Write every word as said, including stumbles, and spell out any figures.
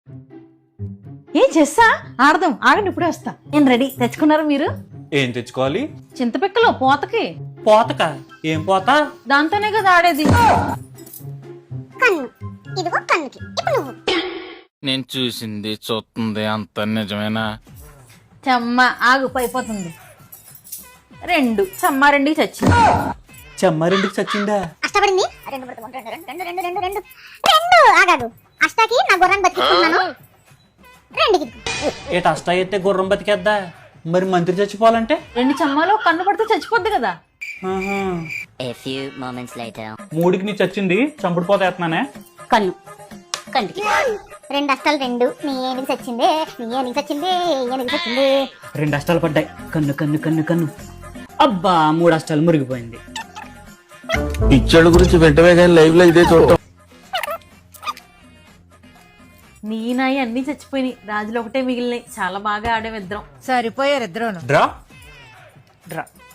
ఏం చేస్తా ఆడదాం, ఆగండి ఇప్పుడే వస్తా. నేను రెడీ. తెచ్చుకున్నారు మీరు? ఏం తెచ్చుకోవాలి? చింతపిక్కలు పోతకి. పోతక? ఏం పోత? దాంతోనే కదా ఆడేది. కన్ను ఇదిగో కన్నుకి ఇప్పుడు నువ్వు. నేను చూసింది చూస్తుంది అంత నిజమేనా? చెమ్మ ఆగు అయిపోతుంది. రెండు చెమ్మ రెండుకి చచ్చింది. చెమ్మారెండుకి చచ్చిందా? అష్టపడింది రెండు రెండు రెండు రెండు రెండు రెండు రెండు రెండు ఆగాదు. అష్టాకి నా గుర్రాన్ని బతికిస్తున్నాను. రెండుకి ఏట అష్టా అయితే గుర్రం బతికేద్దా? మరి మంత్రి చచ్చిపోవాలంటే? రెండు చెమ్మాలు కన్ను పడితే చచ్చిపోద్ది కదా. ఆహా. A few moments later. మూడికి నీ చచ్చింది, చంపుడు పోత వేస్తున్నానే. కన్ను కంటికి రెండు అష్టాలు రెండు. నీ ఏనుగు చచ్చిందే, నీ ఏనుగు చచ్చిందే, ఏనుగు చచ్చిందే. రెండు అష్టాలు పడ్డాయి. కన్ను కన్ను కన్ను కన్ను. అబ్బా మూడు అష్టాలు మురిగిపోయింది. పిచ్చోళ్ళ గురించి వెంటనే కానీ లైవ్ లో ఇదే చూడటం. నీ నాయి అన్ని చచ్చిపోయినాయి, రాజులు ఒకటే మిగిలినాయి. చాలా బాగా ఆడేం ఇద్దరం. సరిపోయారు ఇద్దరును. Draw draw.